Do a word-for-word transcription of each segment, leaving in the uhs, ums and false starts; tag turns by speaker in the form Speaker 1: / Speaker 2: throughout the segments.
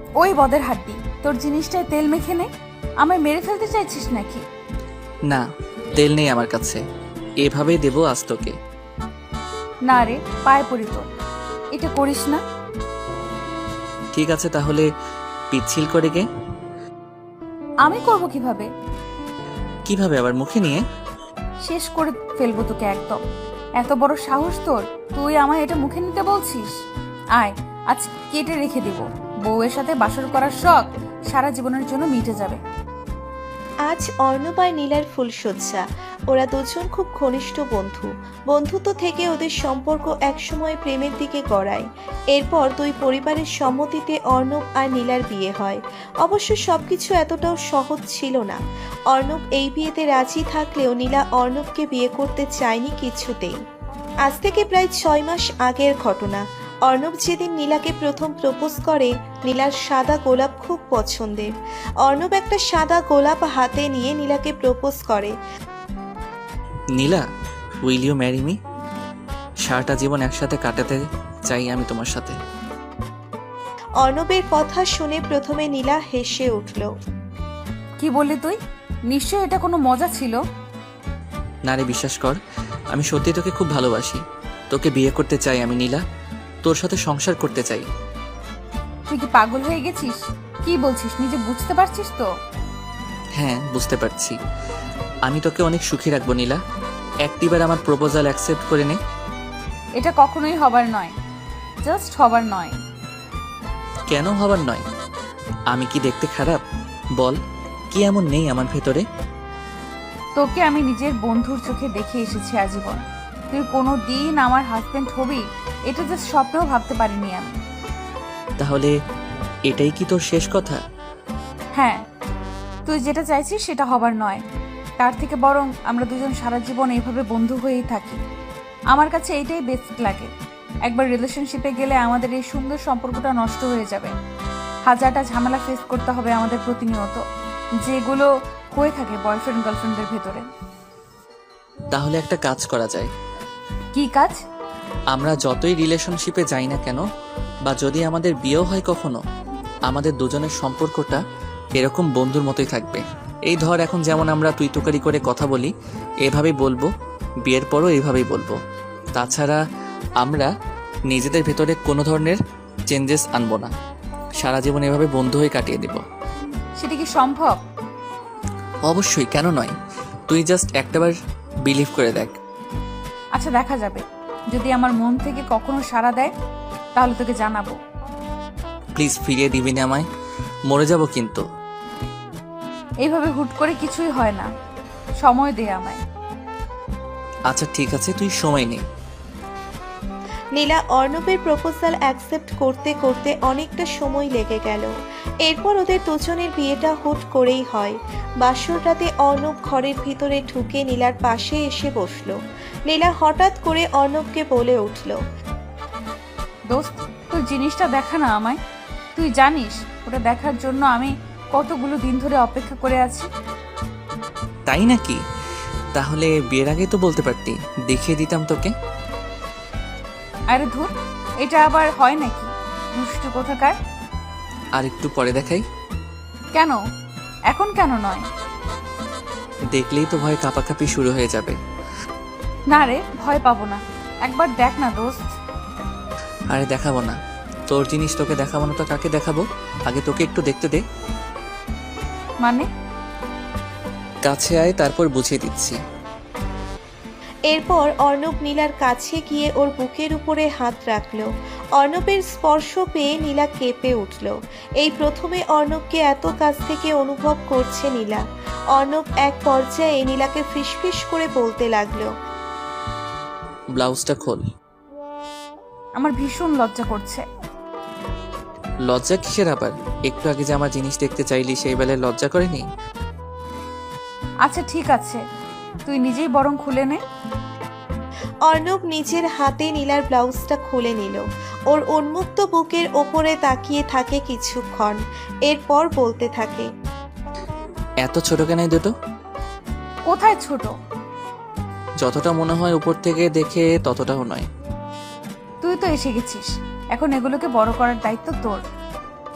Speaker 1: ওই বদের হাড্ডি, তোর জিনিসটায় তেল মেখে নে। আমায় মেরে ফেলতে চাইছিস নাকি?
Speaker 2: না, তেল নেই আমার কাছে, এভাবেই দেবো আজ তোকে।
Speaker 1: না রে, পায়ে পড়ি তোর, এটা করিস না।
Speaker 2: ঠিক আছে তাহলে পিচ্ছিল করে গে।
Speaker 1: আমি করব কিভাবে?
Speaker 2: কিভাবে আবার? মুখে নিয়ে।
Speaker 1: শেষ করে ফেলবো তোকে একদম। এত বড় সাহস তোর, তুই আমায় এটা মুখে নিতে বলছিস? আয়, আজ কেটে রেখে দিব। বউয়ের সাথে বাসর করার শখ সারা জীবনের জন্য মিটে যাবে।
Speaker 3: আজ অর্ণব আর নীলার ফুলশয্যা। ওরা দুজন খুব ঘনিষ্ঠ বন্ধু। বন্ধুত্ব থেকে ওদের সম্পর্ক একসময় প্রেমের দিকে গড়ায়। এরপর দুই পরিবারের সম্মতিতে অর্ণব আর নীলার বিয়ে হয়। অবশ্য সবকিছু এতটাও সহজ ছিল না। অর্ণব এই বিয়েতে রাজি থাকলেও নীলা অর্ণবকে বিয়ে করতে চায়নি কিছুতেই। আজ থেকে প্রায় ছয় মাস আগের ঘটনা। অর্ণব যেদিন নীলাকে প্রথম প্রপোজ করে, নীলার সাদা গোলাপ খুব পছন্দের। অর্ণব একটা সাদা গোলাপ হাতে নিয়ে নীলাকে প্রপোজ করে।
Speaker 2: Nila, will you marry me? সারাটা জীবন একসাথে কাটাতে চাই আমি তোমার সাথে।
Speaker 3: অর্ণবের কথা শুনে প্রথমে নীলা হেসে উঠল।
Speaker 1: কি বললি তুই? নিশ্চয় এটা কোনো মজা ছিল।
Speaker 2: না রে, বিশ্বাস কর, আমি সত্যি তোকে খুব ভালোবাসি। তোকে বিয়ে করতে চাই আমি নীলা, তোর সাথে সংসার করতে চাই।
Speaker 1: তুই কি পাগল হয়ে গেছিস? কি বলছিস নিজে বুঝতে পারছিস তো?
Speaker 2: হ্যাঁ, বুঝতে পারছি। আমি তোকে অনেক সুখী রাখবো নীলা, একটিবার আমার প্রপোজাল অ্যাকসেপ্ট করে নে।
Speaker 1: এটা কখনোই হবার নয়, জাস্ট হবার নয়।
Speaker 2: কেন হবার নয়? আমি কি দেখতে খারাপ? বল, কি এমন নেই আমার ভেতরে?
Speaker 1: তোকে আমি নিজের বন্ধুর চোখে দেখে এসেছি আজীবন। তুই কোনো দিন আমার হাজবেন্ড হবি এটা জাস্ট স্বপ্নেও ভাবতে পারিনি আমি।
Speaker 2: তাহলে এটাই কি তোর শেষ কথা?
Speaker 1: হ্যাঁ, তুই যেটা চাইছিস সেটা হবার নয়। তার থেকে বরং আমরা দুজন সারা জীবন এইভাবে বন্ধু হয়েই থাকি। আমার কাছে এইটাই বেস্ট লাগে। একবার রিলেশনশিপে গেলে আমাদের এই সুন্দর সম্পর্কটা নষ্ট হয়ে যাবে। হাজারটা ঝামেলা ফেস করতে হবে আমাদের প্রতিনিয়ত, যেগুলো হয়ে থাকে বয়ফ্রেন্ড গার্লফ্রেন্ডের ভেতরে।
Speaker 2: তাহলে একটা কাজ করা যায়।
Speaker 1: কি কাজ?
Speaker 2: আমরা যতই রিলেশনশিপে যাই না কেন, বা যদি আমাদের বিয়েও হয় কখনো, আমাদের দুজনের সম্পর্কটা এরকম বন্ধুর মতোই থাকবে। এই ধর এখন যেমন আমরা তুই তুকারি করে কথা বলি, এভাবেই বলবো, বিয়ের পরও এইভাবেই বলবো। তাছাড়া আমরা নিজেদের ভেতরে কোনো ধরনের চেঞ্জেস আনবো না, সারা জীবন এভাবে বন্ধু হয়ে কাটিয়ে দেব।
Speaker 1: সেটা কি সম্ভব?
Speaker 2: অবশ্যই, কেন নয়? তুই জাস্ট একটাবার বিলিভ করে দেখ।
Speaker 1: আচ্ছা, দেখা যাবে। যদি আমার মন থেকে কখনো সাড়া দেয় তাহলে তোকে জানাবো।
Speaker 2: প্লিজ ফিরিয়ে দিবি না আমায়, মরে যাব কিন্তু।
Speaker 1: এইভাবে হুট করে কিছুই হয় না, সময় দে আমায়।
Speaker 2: আচ্ছা ঠিক আছে, তুই সময় নে।
Speaker 3: নীলা অর্ণবের প্রপোজাল অ্যাকসেপ্ট করতে করতে অনেকটা সময় লেগে গেল। এরপর ওদের দুজনের বিয়েটা হুট করেই হয়। বাসর রাতে অর্ণব ঘরের ভিতরে ঢুকে নীলার পাশে এসে বসলো। নীলা হঠাৎ করে অর্ণবকে বলে উঠল,
Speaker 1: দোস্ত, তোর জিনিসটা দেখা না আমায়। তুই জানিস ওটা দেখার জন্য আমি কতগুলো দিন ধরে অপেক্ষা করে আছি।
Speaker 2: তাই নাকি? তাহলে বিয়ের আগে তো বলতে পারতি, দেখিয়ে দিতাম তোকে।
Speaker 1: আরে ধুর, এটা আবার হয় নাকি? দুষ্টু কোথাকার।
Speaker 2: আর একটু পরে দেখাই।
Speaker 1: কেন? এখন কেন নয়?
Speaker 2: দেখলেই তো ভয় কাঁপাকাঁপি শুরু হয়ে যাবে।
Speaker 1: না রে, ভয় পাবো না, একবার দেখ না দোস্ত।
Speaker 2: আরে দেখাবো না, তোর জিনিস তোকে দেখাবো না তো কাকে দেখাবো? আগে তোকে একটু দেখতে দে।
Speaker 1: মানে?
Speaker 2: কাছে আয়, তারপর বুঝিয়ে দিচ্ছি।
Speaker 3: এরপর অর্ণব নীলার কাছে গিয়ে ওর বুকের উপরে হাত রাখল। অর্ণবের স্পর্শ পেয়ে নীলা কেঁপে উঠল। এই প্রথমে অর্ণবকে এত কাছ থেকে অনুভব করছে নীলা। অর্ণব এক পর্যায়ে নীলাকে ফিসফিস করে বলতে লাগলো,
Speaker 2: ব্লাউজটা খোল।
Speaker 1: আমার ভীষণ লজ্জা করছে।
Speaker 2: লজ্জা কিসের আবার? একটু আগে যে আমার জিনিস দেখতে চাইলি সেই বেলায় লজ্জা করেনি?
Speaker 1: আচ্ছা ঠিক আছে, তুই নিজেই বরং খুলে নে।
Speaker 3: অর্ণব নিজের হাতে নীলার ব্লাউজটা খুলে নিল। ওর উন্মুক্ত বুকের ওপরে তাকিয়ে থাকে কিছুক্ষণ, এরপর বলতে থাকে,
Speaker 2: এত ছোট কেন এই দুটো?
Speaker 1: কোথায় ছোট?
Speaker 2: যতটা মনে হয় উপর থেকে দেখে ততটাও নয়।
Speaker 1: তুই তো এসে গেছিস, এখন এগুলোকে বড় করার দায়িত্ব তোর।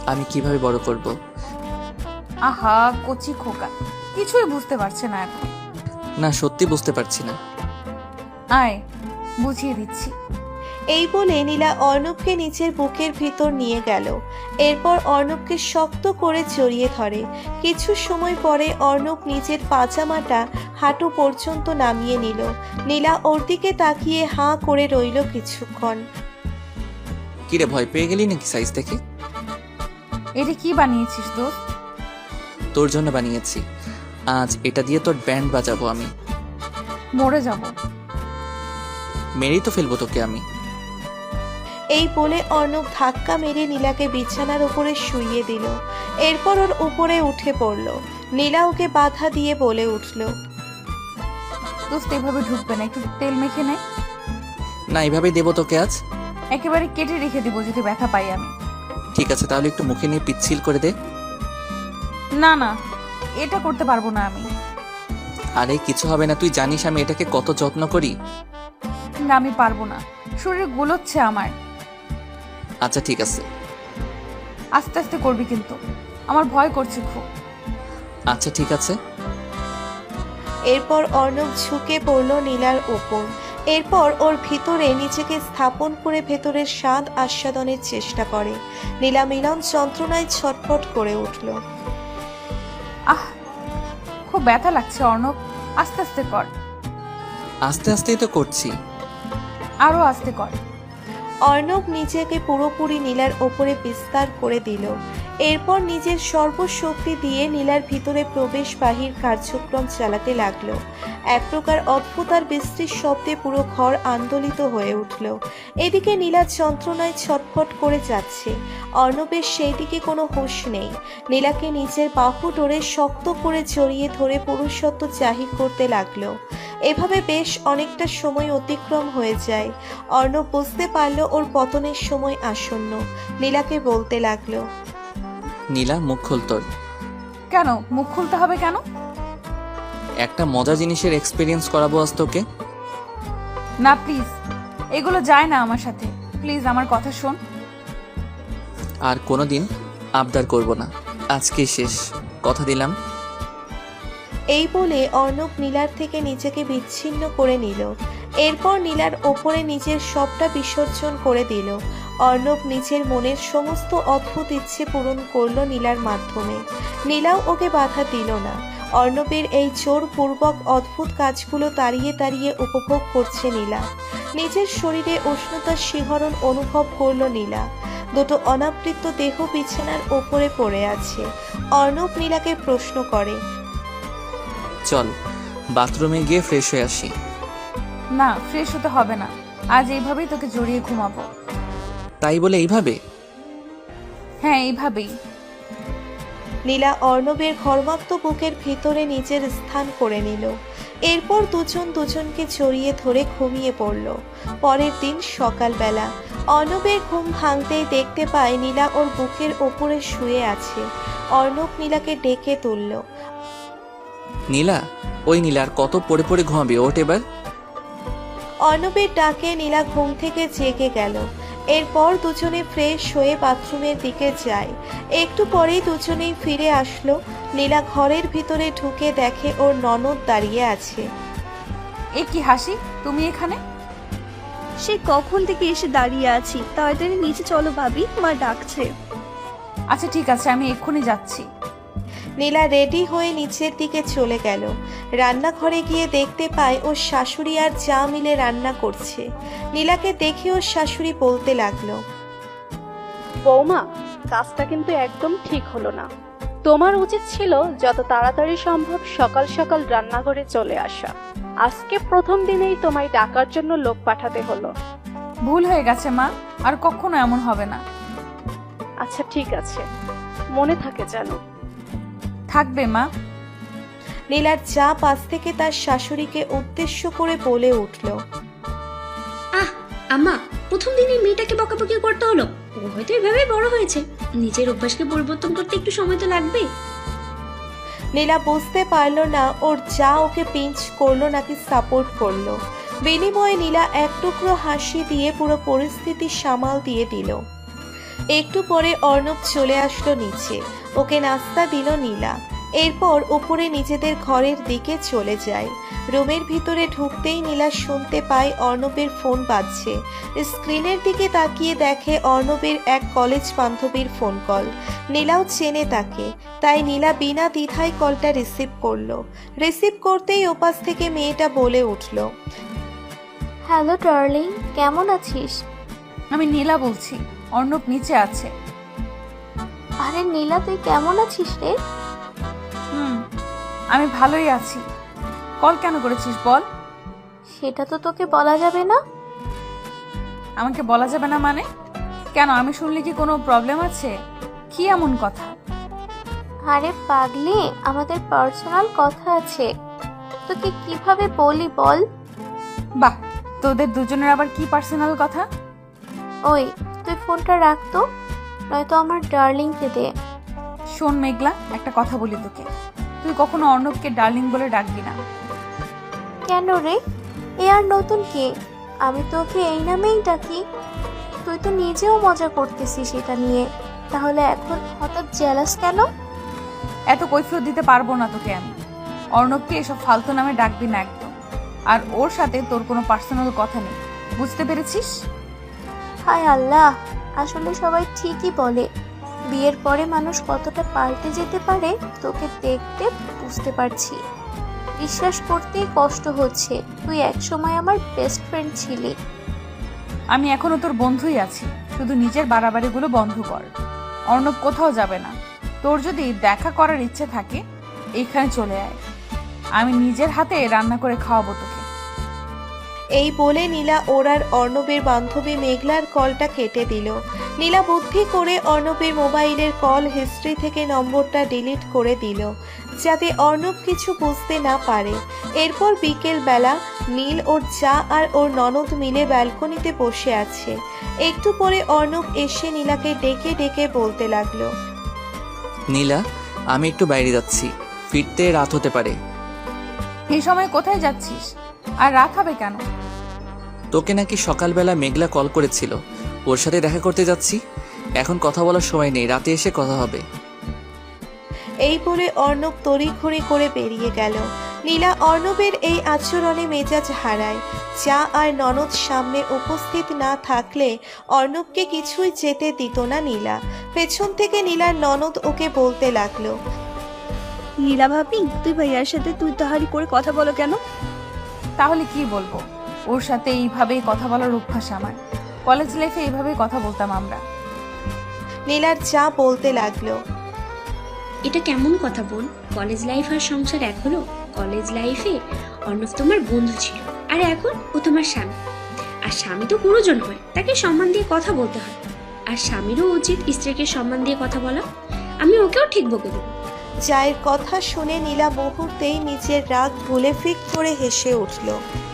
Speaker 2: আমি কিভাবে বড় করব?
Speaker 1: আহা কচি খোকা, কিছুই বুঝতে পারছে না এখন।
Speaker 2: না, সত্যি বুঝতে পারছি না।
Speaker 1: আয় বুঝিয়ে দিচ্ছি।
Speaker 3: এই বলে নীলা অর্ণবকে নিচের বুকের ভিতর নিয়ে গেল। এরপর অর্ণবকে শক্ত করে জড়িয়ে ধরে। কিছু সময় পরে অর্ণব নিজের পাজামাটা হাঁটু পর্যন্ত নামিয়ে নিল। নীলা ওর দিকে তাকিয়ে হাঁ করে রইল কিছুক্ষণ।
Speaker 2: কিরে, ভয় পেয়ে গেলি নাকি সাইজ দেখে?
Speaker 1: এটা কি বানিয়েছিস দোস্ত?
Speaker 2: তোর জন্য বানিয়েছি। আজ এটা দিয়ে তোর ব্যান্ড বাজাবো আমি।
Speaker 1: মরে যাব।
Speaker 2: মেরেই তো ফেলবো তোকে আমি।
Speaker 3: এই বলে অর্ণব ধাক্কা মেরে নীলাকে বিছানার উপরে শুইয়ে দিল। এরপর ওর উপরে উঠে পড়ল। নীলা ওকে বাধা দিয়ে বলে উঠল,
Speaker 1: দোস্ত এভাবে ঢুকবে না, একটু তেল মেখে নে।
Speaker 2: না, এইভাবেই দেবো তোকে আজ।
Speaker 1: একেবারে কেটে রেখে দিব যদি ব্যথা পাই আমি।
Speaker 2: ঠিক আছে, তাহলে একটু মুখে নিয়ে পিচ্ছিল করে দে।
Speaker 1: না না, এটা করতে পারবো না আমি।
Speaker 2: আরে কিছু হবে না, তুই জানিস আমি এটাকে কত যত্ন করি।
Speaker 1: না আমি পারবো না, শরীর গুলোচ্ছে আমার।
Speaker 2: আচ্ছা ঠিক আছে।
Speaker 1: আস্তে আস্তে করবি কিন্তু, আমার ভয় করছে খুব।
Speaker 2: আচ্ছা ঠিক আছে।
Speaker 3: এরপর অর্ণব ঝুঁকে পড়ল নীলার ওপর। এরপর ওর ভিতরে নিজেকে স্থাপন করে ভেতরের স্বাদ আস্বাদনের চেষ্টা করে। নীলা মিলন যন্ত্রণায় ছটফট করে উঠল।
Speaker 1: আহ খুব ব্যথা লাগছে অর্ণব, আস্তে আস্তে কর।
Speaker 2: আস্তে আস্তেই তো করছি।
Speaker 1: আরো আস্তে কর।
Speaker 3: অর্ণব নিজেকে পুরোপুরি নীলার ওপরে বিস্তার করে দিল। এরপর নিজের সর্বশক্তি দিয়ে নীলার ভিতরে প্রবেশ বাহির কার্যক্রম চালাতে লাগলো। এক প্রকার অদ্ভুত আর বিস্তৃত শব্দে পুরো ঘর আন্দোলিত হয়ে উঠল। এদিকে নীলা যন্ত্রণায় ছটফট করে যাচ্ছে। অর্ণবের সেই দিকে কোনো হুঁশ নেই। নীলাকে নিজের বাহু ডোরে শক্ত করে জড়িয়ে ধরে পুরুষত্ব জাহির করতে লাগলো। এভাবে বেশ অনেকটা সময় অতিক্রম হয়ে যায়। অর্ণব বুঝতে পারল ওর পতনের সময় আসন্ন। নীলাকে বলতে লাগলো,
Speaker 2: নীলা, মুখ খোল তোর।
Speaker 1: কেন মুখ খুলতে হবে কেন?
Speaker 2: একটা মজা জিনিসের এক্সপিরিয়েন্স করাবো আজ তোকে।
Speaker 1: না প্লিজ, এগুলো যায় না আমার সাথে। প্লিজ আমার কথা শোন।
Speaker 2: আর কোনোদিন আবদার করব না, আজকে শেষ, কথা দিলাম।
Speaker 3: এই বলে অর্ণব নীলার থেকে নিজেকে বিচ্ছিন্ন করে নিল। এরপর নীলার ওপরে নিজের সবটা বিসর্জন করে দিল। অর্ণব নিজের মনের সমস্ত অদ্ভুত ইচ্ছে পূরণ করলো নীলার মাধ্যমে। নীলাও ওকে বাধা দিল না। অর্ণবের এই জোরপূর্বক অদ্ভুত কাজগুলো তাড়িয়ে তাড়িয়ে উপভোগ করছে নীলা। নিজের শরীরে উষ্ণতার শিহরণ অনুভব করলো নীলা। দুটো অনাবৃত দেহ বিছানার ওপরে পড়ে আছে। অর্ণব নীলাকে প্রশ্ন করে,
Speaker 2: চল বাথরুমে গিয়ে ফ্রেশ হয়ে আসি।
Speaker 1: না, ফ্রেশ হতে হবে না, আজ এইভাবেই তোকে জড়িয়ে ঘুমাবো।
Speaker 2: তাই বলে এইভাবে?
Speaker 1: হ্যাঁ এইভাবেই।
Speaker 3: নীলা অর্ণবের ঘর্মাক্ত বুকের ভিতরে নিজের স্থান করে নিল। এরপর দুজন দুজনকে জড়িয়ে ধরে ঘুমিয়ে পড়ল। পরের দিন সকালবেলা অর্ণবের ঘুম ভাঙতেই দেখতে পায় নীলা ওর বুকের ওপরে শুয়ে আছে। অর্ণব নীলাকে ডেকে তুলল।
Speaker 2: নীলা, ওই নীলা, আর কত পড়ে পড়ে ঘুমাবি, ওঠ এবার।
Speaker 3: অর্ণবের ডাকে নীলা ঘুম থেকে জেগে গেল। এরপর দুজনে ফ্রেশ হয়ে বাথরুমের দিকে যায়। একটু পরেই দুজনেই ফিরে আসলো। নীলা ঘরের ভিতরে ঢুকে দেখে ওর ননদ দাঁড়িয়ে আছে।
Speaker 1: এ কি হাসি, তুমি এখানে?
Speaker 4: সে কখন থেকে এসে দাঁড়িয়ে আছি, তাড়াতাড়ি নিচে চলো ভাবি, মা ডাকছে।
Speaker 1: আচ্ছা ঠিক আছে, আমি এক্ষুনি যাচ্ছি।
Speaker 3: নীলা রেডি হয়ে নিচের দিকে চলে গেল। রান্নাঘরে গিয়ে দেখতে পায় ওর শাশুড়ি আর যা মিলে রান্না করছে। নীলাকে দেখে ওর শাশুড়ি বলতে লাগলো,
Speaker 5: বৌমা, কাজটা কিন্তু একদম ঠিক হলো না। তোমার উচিত ছিল যত তাড়াতাড়ি সম্ভব সকাল সকাল রান্নাঘরে চলে আসা। আজকে প্রথম দিনেই তোমায় ডাকার জন্য লোক পাঠাতে হলো।
Speaker 1: ভুল হয়ে গেছে মা, আর কখনো এমন হবে না।
Speaker 5: আচ্ছা ঠিক আছে, মনে থাকে যেন।
Speaker 1: থাকবে মা।
Speaker 3: নীলার যা পাশ থেকে তার শাশুড়িকে উদ্দেশ্য করে বলে উঠল,
Speaker 6: আহ আম্মা, প্রথম দিনই মেয়েটাকে বকাবকি করতে হলো। ও হয়তো এভাবে বড় হয়েছে, নিজের অভ্যাসকে পরিবর্তন করতে একটু সময় তো লাগবে।
Speaker 3: নীলা বুঝতে পারলো না ওর যা ওকে পিঞ্চ করলো নাকি সাপোর্ট করলো। বিনিময়ে নীলা এক টুকরো হাসি দিয়ে পুরো পরিস্থিতি সামাল দিয়ে দিল। একটু পরে অর্ণব চলে আসলো নিচে। ওকে নাস্তা দিল নীলা। এরপর উপরে নিজেদের ঘরের দিকে চলে যায়। রুমের ভিতরে ঢুকতেই নীলা শুনতে পায় অর্ণবের ফোন বাজছে। স্ক্রিনের দিকে তাকিয়ে দেখে অর্ণবের এক কলেজ বান্ধবীর ফোন কল। নীলাও চেনে তাকে, তাই নীলা বিনা দ্বিধায় কলটা রিসিভ করলো। রিসিভ করতেই ওপাশ থেকে মেয়েটা বলে উঠল,
Speaker 7: হ্যালো ডার্লিং, কেমন আছিস?
Speaker 1: আমি নীলা বলছি, অর্ণব নিচে আছে।
Speaker 7: আরে নীলা, তুই কেমন আছিস রে?
Speaker 1: হুম, আমি ভালোই আছি। কল কেন করেছিস বল?
Speaker 7: সেটা তো তোকে বলা যাবে না।
Speaker 1: আমাকে বলা যাবে না মানে? কেন, আমি শুনলে কি কোনো প্রবলেম আছে? কি এমন কথা?
Speaker 7: আরে পাগলি, আমাদের পার্সোনাল কথা আছে, তোকে কিভাবে বলি বল?
Speaker 1: বাহ, তোদের দুজনের আবার কি পার্সোনাল কথা?
Speaker 7: ওই, তুই ফোনটা রাখ তো, নয়তো আমার ডার্লিংকে দে।
Speaker 1: শোন মেঘলা, একটা কথা বলি তোকে, তুই কখনো অর্ণবকে ডার্লিং বলে ডাকবি না।
Speaker 7: কেন রে? এ আর নতুন কি? আমি তোকে এই নামেই ডাকি। তুই তো নিজেও মজা করতেছিস এটা নিয়ে, তাহলে এখন হঠাৎ জেলাস কেন?
Speaker 1: এত কৈফিয়ত দিতে পারবো না তোকে আমি। অর্ণবকে এসব ফালতু নামে ডাকবি না একদম। আর ওর সাথে তোর কোনো পার্সোনাল কথা নেই, বুঝতে পেরেছিস?
Speaker 7: হায় আল্লাহ, আসলে সবাই ঠিকই বলে, বিয়ের পরে মানুষ কতটা পাল্টে যেতে পারে তোকে দেখতে বুঝতে পারছি। বিশ্বাস করতেই কষ্ট হচ্ছে, তুই একসময় আমার বেস্ট ফ্রেন্ড ছিলি।
Speaker 1: আমি এখনো তোর বন্ধুই আছি, শুধু নিজের বাড়াবাড়িগুলো বন্ধ কর। অর্ণব কোথাও যাবে না। তোর যদি দেখা করার ইচ্ছে থাকে এইখানে চলে আয়, আমি নিজের হাতে রান্না করে খাওয়াবো তোকে।
Speaker 3: এই বলে নীলা ওরার অর্ণবের বান্ধবী মেঘলার কলটা কেটে দিল। নীলা বুদ্ধি করে অর্ণবের মোবাইলের কল হিস্ট্রি থেকে নম্বরটা ডিলিট করে দিল, যাতে অর্ণব কিছু বুঝতে না পারে। এরপর বিকেল বেলা নীল ওর চা আর ওর ননদ মিলে ব্যালকনিতে বসে আছে। একটু পরে অর্ণব এসে নীলাকে ডেকে ডেকে বলতে লাগলো,
Speaker 2: নীলা, আমি একটু বাইরে যাচ্ছি, ফিরতে রাত হতে পারে।
Speaker 1: এই সময় কোথায় যাচ্ছিস? আর রাত হবে কেন?
Speaker 2: তোকে নাকি সকালবেলা মেঘলা কল করেছিল, ওর সাথে দেখা করতে যাচ্ছি। এখন কথা বলার সময় নেই, রাতে এসে কথা হবে।
Speaker 3: এই বলে অর্ণব তড়িঘড়ি করে বেরিয়ে গেল। নীলা অর্ণবের এই আচরণে মেজাজ হারায়। চা আর ননদ সামনে উপস্থিত না থাকলে অর্ণবকে কিছুই যেতে দিত না নীলা। পেছন থেকে নীলার ননদ ওকে বলতে লাগলো,
Speaker 4: নীলা ভাবি, তুই ভাইয়ার সাথে তুই তাহারি করে কথা বলো কেন?
Speaker 1: তাহলে কি বলবো? ওর সাথে এইভাবেই কথা বলার অভ্যাস আমার। কলেজ লাইফে এইভাবেই কথা বলতাম আমরা।
Speaker 3: নীলার চা বলতে লাগলো,
Speaker 6: এটা কেমন কথা বোন? কলেজ লাইফ আর সংসার এক হলো? কলেজ লাইফে অর্ণব তোমার বন্ধু ছিল, আর এখন ও তোমার স্বামী। আর স্বামী তো গুরুজন হয়, তাকে সম্মান দিয়ে কথা বলতে হয়। আর স্বামীরও উচিত স্ত্রীকে সম্মান দিয়ে কথা বলা। আমি ওকেও ঠিক বকে দেবো।
Speaker 3: চায়ের কথা শুনে নীলা মুহূর্তেই নিজের রাগ ভুলে ফিক করে হেসে উঠল।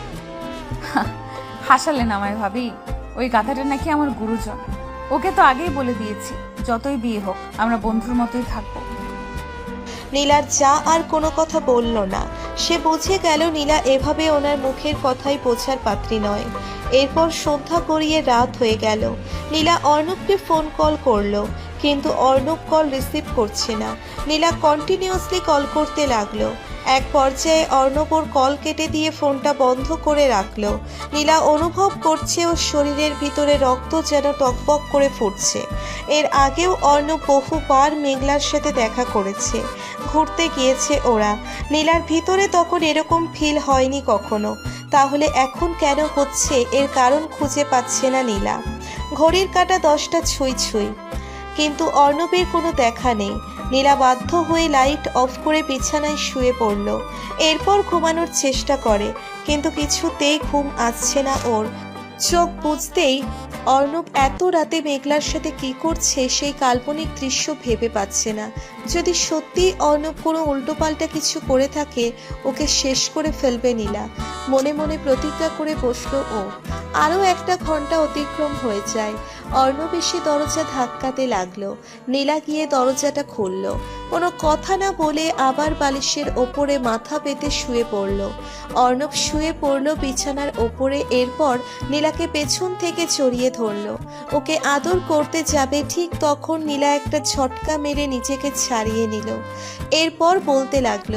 Speaker 1: হাসালেন আমায় ভাবি? ওই গাধাটা নাকি আমার গুরুজন। ওকে তো আগেই বলে দিয়েছি, যতই বিয়ে হোক আমরা বন্ধুর মতোই থাকবো।
Speaker 3: নীলার চা আর কোনো কথা বলল না। সে বুঝে গেল নীলা এভাবে ওনার মুখের কথাই বোঝার পাত্রী নয়। এরপর সন্ধ্যা গড়িয়ে রাত হয়ে গেল। নীলা অর্ণবকে ফোন কল করলো, কিন্তু অর্ণব কল রিসিভ করছে না। নীলা কন্টিনিউয়াসলি কল করতে লাগলো। এক পর্যায়ে অর্ণব ওর কল কেটে দিয়ে ফোনটা বন্ধ করে রাখলো। নীলা অনুভব করছে ওর শরীরের ভিতরে রক্ত যেন টকবক করে ফুটছে। এর আগেও অর্ণব বহুবার মেঘলার সাথে দেখা করেছে, ঘুরতে গিয়েছে ওরা। নীলার ভিতরে তখন এরকম ফিল হয়নি কখনো। তাহলে এখন কেন হচ্ছে, এর কারণ খুঁজে পাচ্ছে না নীলা। ঘড়ির কাঁটা দশটা ছুঁই ছুঁই, কিন্তু অর্ণবের কোনো দেখা নেই। নীলা বাধ্য হয়ে লাইট অফ করে বিছানায় শুয়ে পড়ল। এরপর ঘুমানোর চেষ্টা করে, কিন্তু কিছুতেই ঘুম আসছে না ওর। চোখ বুঝতেই অর্ণব এত রাতে মেঘলার সাথে কি করছে সেই কাল্পনিক দৃশ্য ভেবে পাচ্ছে না। যদি সত্যি অর্ণব কোনো উল্টোপাল্টা কিছু করে থাকে, ওকে শেষ করে ফেলবে নীলা। মনে মনে প্রতিজ্ঞা করে বসলো ও। আরও একটা ঘন্টা অতিক্রম হয়ে যায়। অর্ণব এসে দরজা ধাক্কাতে লাগলো। নীলা গিয়ে দরজাটা খুলল। কোনো কথা না বলে আবার বালিশের ওপরে মাথা পেতে শুয়ে পড়ল। অর্ণব শুয়ে পড়ল বিছানার ওপরে। এরপর নীলাকে পেছন থেকে জড়িয়ে ধরল। ওকে আদর করতে যাবে, ঠিক তখন নীলা একটা ঝটকা মেরে নিজেকে ছাড়িয়ে নিল। এরপর বলতে লাগলো,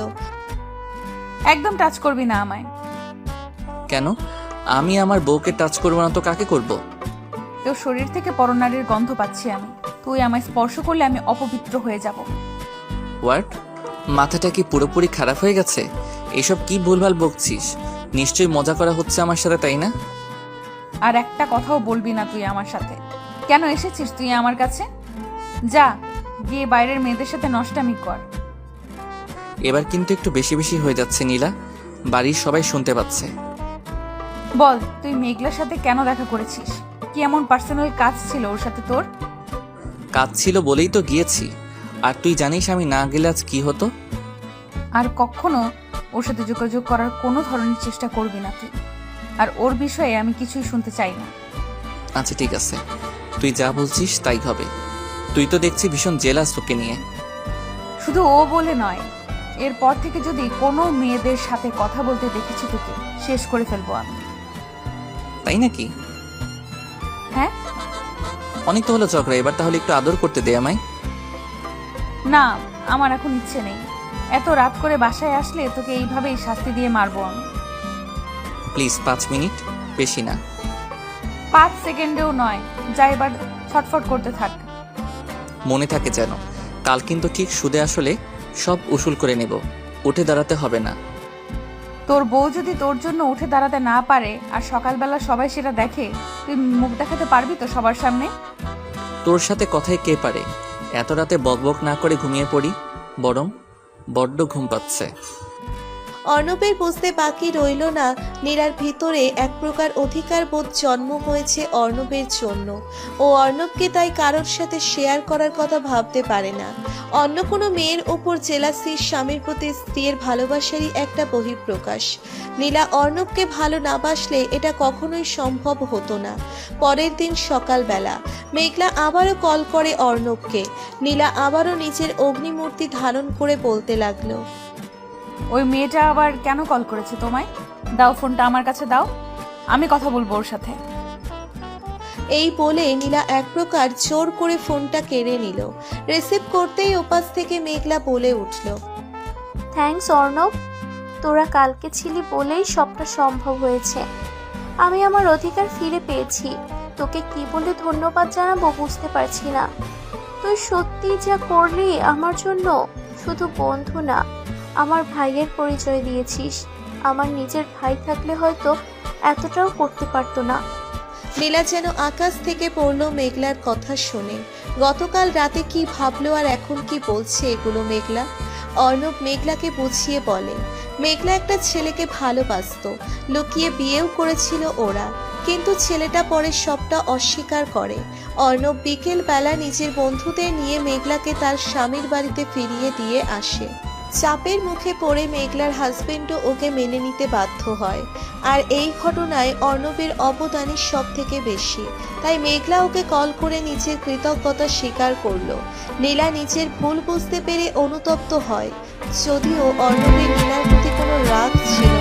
Speaker 1: একদম টাচ করবি না আমায়।
Speaker 2: কেন? আমি আমার বউকে টাচ করবো না তো কাকে করব?
Speaker 1: তোর শরীর থেকে পরনারীর গন্ধ পাচ্ছি আমি। তুই আমায় স্পর্শ করলে আমি অপবিত্র হয়ে যাব।
Speaker 2: হোয়াট? মাথাটা কি পুরোপুরি খারাপ হয়ে গেছে? এসব কি ভুলভাল বকছিস? নিশ্চয়ই মজা করা হচ্ছে আমার সাথে, তাই না?
Speaker 1: আর একটা কথাও বলবি না তুই আমার সাথে। কেন এসেছিস তুই আমার কাছে? যা গিয়ে বাইরের মেয়েদের সাথে নষ্টামি কর।
Speaker 2: এবার কিন্তু একটু বেশি বেশি হয়ে যাচ্ছে নীলা, বাড়ির সবাই শুনতে পাচ্ছে।
Speaker 1: বল তুই মেঘলার সাথে কেন দেখা করেছিস? কি এমন পার্সোনাল কাজ ছিল ওর সাথে তোর?
Speaker 2: কাজ ছিল বলেই তো গিয়েছি। আর তুই জানিস আমি না গেলে আজ কি হতো?
Speaker 1: আর কখনো ওর সাথে যোগাযোগ করার কোনো ধরনের চেষ্টা করবি না তুই। আর ওর বিষয়ে আমি কিছুই শুনতে চাই না।
Speaker 2: আচ্ছা ঠিক আছে, তুই যা বলছিস তাই হবে। তুই তো দেখছি ভীষণ জেলাস তোকে নিয়ে।
Speaker 1: শুধু ও বলে নয়, এরপর থেকে যদি কোনো মেয়েদের সাথে কথা বলতে দেখেছি তোকে, শেষ করে ফেলবো আমি।
Speaker 2: তাই নাকি?
Speaker 1: হ্যাঁ।
Speaker 2: অনেক তো হলো চক্রা, এবার তাহলে একটু আদর করতে দে আমায়।
Speaker 1: না, আমার এখন ইচ্ছে নেই। এত রাত করে বাসায় আসলে তোকে এইভাবেই শাস্তি দিয়ে মারবো আমি।
Speaker 2: প্লিজ পাঁচ মিনিট, বেশি না।
Speaker 1: পাঁচ সেকেন্ডেও নয়, যা এবার ছটফট করতে থাক।
Speaker 2: মনে থাকে যেন, কাল কিন্তু ঠিক সুদে আসলে সব উসুল করে নেব। উঠে দাঁড়াতে হবে না।
Speaker 1: তোর বউ যদি তোর জন্য উঠে দাঁড়াতে না পারে আর সকালবেলা সবাই সেটা দেখে, তুই মুখ দেখাতে পারবি তো সবার সামনে?
Speaker 2: তোর সাথে কথায় কে পারে? এত রাতে বকবক না করে ঘুমিয়ে পড়ি বরং, বড্ড ঘুম পাচ্ছে।
Speaker 3: অর্ণবের বুঝতে বাকি রইল না নীলার ভিতরে এক প্রকার অধিকার বোধ জন্ম হয়েছে অর্ণবের জন্য। ও অর্ণবকে তাই কারোর সাথে শেয়ার করার কথা ভাবতে পারে না। অন্য কোনো মেয়ের ওপর জেলাসি স্বামীর প্রতি স্ত্রীর ভালোবাসারই একটা বহিঃপ্রকাশ। নীলা অর্ণবকে ভালো না বাসলে এটা কখনোই সম্ভব হতো না। পরের দিন সকালবেলা মেঘলা আবারও কল করে অর্ণবকে। নীলা আবারও নিজের অগ্নিমূর্তি ধারণ করে বলতে লাগলো,
Speaker 1: ওই মেয়েটা আবার কেন কল করেছে তোমায়? দাও ফোনটা আমার কাছে দাও, আমি কথা বলবো ওর সাথে।
Speaker 3: এই বলে নীলা এক প্রকার জোর করে ফোনটা কেড়ে নিল। রিসিভ করতেই ওপাশ থেকে মেঘলা বলে উঠল,
Speaker 7: থ্যাঙ্কস অর্ণব, তোরা কালকে ছিলি বলেই সবটা সম্ভব হয়েছে। আমি আমার অধিকার ফিরে পেয়েছি। তোকে কি বলে ধন্যবাদ জানাবো বুঝতে পারছি না। তুই সত্যি যা করলি আমার জন্য, শুধু বন্ধু না, আমার ভাইয়ের পরিচয় দিয়েছিস। আমার নিজের ভাই থাকলে হয়তো এতটাও করতে পারতো না।
Speaker 3: নীলা যেন আকাশ থেকে পড়ল মেঘলার কথা শুনে। গতকাল রাতে কি ভাবলো আর এখন কি বলছে এগুলো মেঘলা? অর্ণব মেঘলাকে বুঝিয়ে বলে, মেঘলা একটা ছেলেকে ভালোবাসতো, লুকিয়ে বিয়েও করেছিল ওরা, কিন্তু ছেলেটা পরে সবটা অস্বীকার করে। অর্ণব বিকেল বেলা নিজের বন্ধুদের নিয়ে মেঘলাকে তার স্বামীর বাড়িতে ফিরিয়ে দিয়ে আসে। চাপের মুখে পড়ে মেঘলার হাজবেন্ডও ওকে মেনে নিতে বাধ্য হয়। আর এই ঘটনায় অর্ণবের অবদানই সব থেকে বেশি। তাই মেঘলা ওকে কল করে নিজের কৃতজ্ঞতা স্বীকার করলো। নীলা নিজের ভুল বুঝতে পেরে অনুতপ্ত হয়, যদিও অর্ণবের নীলার প্রতি কোনো রাগ ছিল